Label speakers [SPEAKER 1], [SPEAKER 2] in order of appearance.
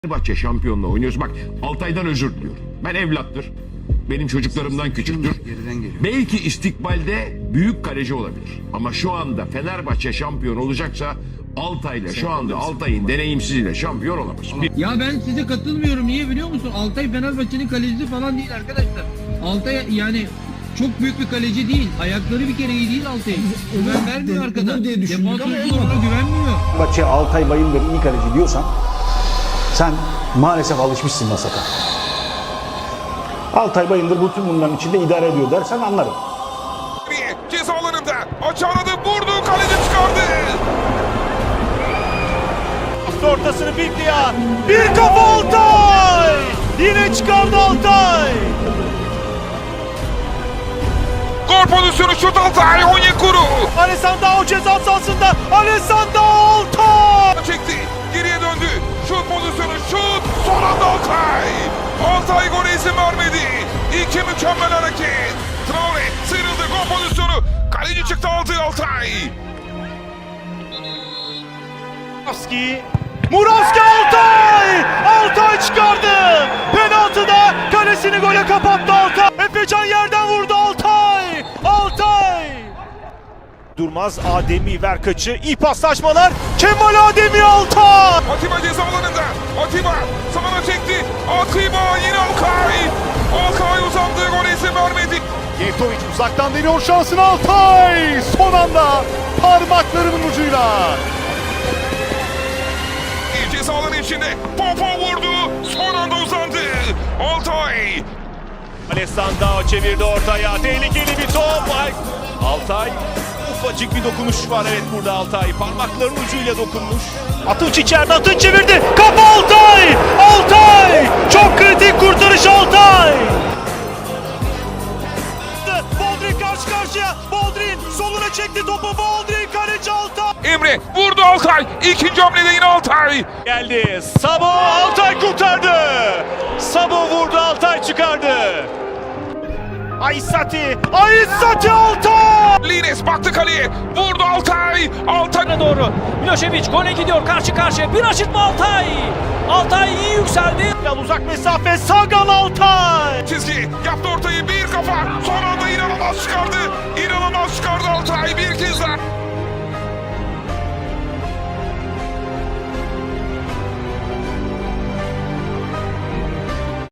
[SPEAKER 1] Fenerbahçe şampiyonluğu oynuyoruz. Bak Altay'dan özür diliyorum. Ben evlattır. Benim çocuklarımdan küçüktür. Belki istikbalde büyük kaleci olabilir. Ama şu anda Fenerbahçe şampiyon olacaksa Altay'la şu anda Altay'ın deneyimsizliğiyle şampiyon olamaz.
[SPEAKER 2] Ya ben size katılmıyorum. Niye biliyor musun? Altay Fenerbahçe'nin kalecisi falan değil arkadaşlar. Altay yani çok büyük bir kaleci değil. Ayakları bir kere iyi değil Altay'ın. Güven vermiyor arkadan. Defans oyuncularına güvenmiyor.
[SPEAKER 3] Fenerbahçe Altay Bayındır iyi kaleci diyorsan sen maalesef alışmışsın Masaka. Altay Bayındır bütün bunların içinde idare ediyor dersen anlarım.
[SPEAKER 4] Ceza alanında açarladı, vurdu, kaleci çıkardı.
[SPEAKER 5] Ortasını Biblia. Bir kafa Altay. Yine çıkardı Altay.
[SPEAKER 4] Gol pozisyonu, şut Altay, Onyekuru.
[SPEAKER 5] Alessandro ceza sahasında. Alessandro Altay.
[SPEAKER 4] Çekti, geriye döndü. Şut pozisyonu, şut. Son anda Altay. Altay gole izin vermedi. İki mükemmel hareket. Traore sıyrıldı, gol pozisyonu. Kaleci çıktı, aldı Altay.
[SPEAKER 5] Murawski Altay! Altay çıkardı! Penaltıda kalesini gole kapattı Altay! Efecan yerden vurdu Altay! Altay! Durmaz Ademi ver kaçı, iyi paslaşmalar, Kemal Ademi Altay!
[SPEAKER 4] Atiba ceza alanında. Atiba sağına çekti. Atiba yine Altay. Altay uzandı, gole izin vermedi.
[SPEAKER 5] Yevtovic uzaktan deniyor şansını Altay! Son anda parmaklarının ucuyla!
[SPEAKER 4] Ceza alanı içinde Popo vurdu. Son anda uzandı. Altay.
[SPEAKER 5] Alessandro çevirdi ortaya. Tehlikeli bir top. Altay. Ufacık bir dokunuş var evet burada Altay. Parmaklarının ucuyla dokunmuş. Atınç içeride. Atınç çevirdi. Kafa Altay. Altay. Çok kritik kurtarış Altay. Boldrin karşı karşıya. Boldrin soluna çekti topu. Boldrin kaleci Altay.
[SPEAKER 4] Emre vurdu Altay. İkinci hamlede yine Altay.
[SPEAKER 5] Geldi. Sabo Altay kurtardı. Sabo vurdu Altay çıkardı. Aysati Altay!
[SPEAKER 4] Lines baktı kaleye. Vurdu Altay. Altay
[SPEAKER 6] doğru. Milošević gole gidiyor karşı karşıya. Bir aşırtma Altay. Altay iyi yükseldi.
[SPEAKER 5] Uzak mesafe Sagan Altay!
[SPEAKER 4] çizgi yaptı ortayı, bir kafa.